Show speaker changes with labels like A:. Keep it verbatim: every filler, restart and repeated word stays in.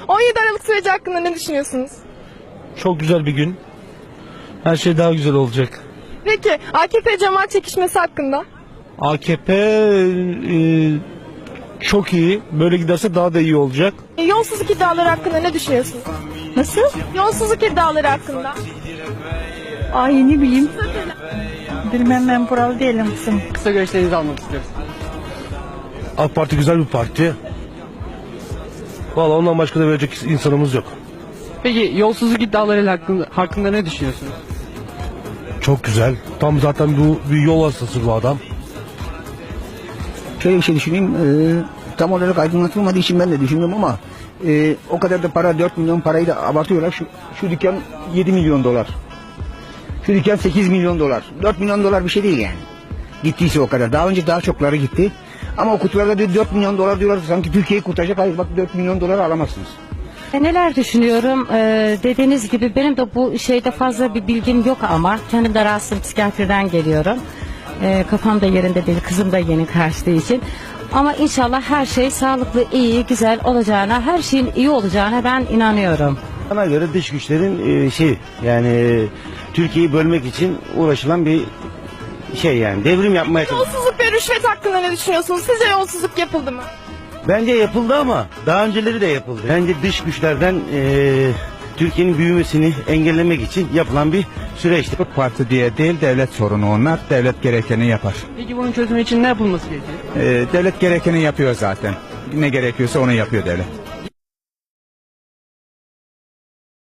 A: on yedi Aralık süreci hakkında ne düşünüyorsunuz?
B: Çok güzel bir gün. Her şey daha güzel olacak.
A: Peki A K P cemaat çekişmesi hakkında?
B: A K P e, çok iyi. Böyle giderse daha da iyi olacak.
A: E, yolsuzluk iddiaları hakkında ne düşünüyorsunuz?
C: Nasıl?
A: Yolsuzluk iddiaları hakkında.
C: Ay ne bileyim. Bilmem, ben buralı değilim kızım.
D: Kısa görüşlerinizi almak istiyoruz.
B: AK Parti güzel bir parti. Vallahi ondan başka da verecek insanımız yok.
D: Peki yolsuzluk iddiaları hakkında, hakkında ne düşünüyorsunuz?
B: Çok güzel. Tam zaten bu bir yol hastası bu adam.
E: Şöyle bir şey düşüneyim, e, tam olarak aydınlatılmadığı için ben de düşündüm ama e, o kadar da para, dört milyon parayı da abartıyorlar. Şu, şu dükkan yedi milyon dolar. Şu dükkan sekiz milyon dolar. dört milyon dolar bir şey değil yani. Gittiyse o kadar. Daha önce daha çokları gitti. Ama o kutularda diyor dört milyon dolar diyorlar. Sanki Türkiye'yi kurtaracak. Hayır bak dört milyon dolar alamazsınız.
F: E, Neler düşünüyorum? Ee, dediğiniz gibi benim de bu şeyde fazla bir bilgim yok ama kendim de rahatsızım, psikiyatriden geliyorum. Ee, kafam da yerinde değil, kızım da yeni kaçtığı için. Ama inşallah her şey sağlıklı, iyi, güzel olacağına, her şeyin iyi olacağına ben inanıyorum.
G: Bana göre dış güçlerin e, şey yani e, Türkiye'yi bölmek için uğraşılan bir şey yani devrim yapmaya çalışıyor.
A: Yolsuzluk ve rüşvet hakkında ne düşünüyorsunuz? Sizce yolsuzluk yapıldı mı?
G: Bence yapıldı ama daha önceleri de yapıldı. Bence dış güçlerden e, Türkiye'nin büyümesini engellemek için yapılan bir süreçti.
H: Parti diye değil, devlet sorunu onlar. Devlet gerekeni yapar.
D: Peki bunun çözümü için ne yapılması gerekiyor?
H: Ee, devlet gerekeni yapıyor zaten. Ne gerekiyorsa onu yapıyor devlet.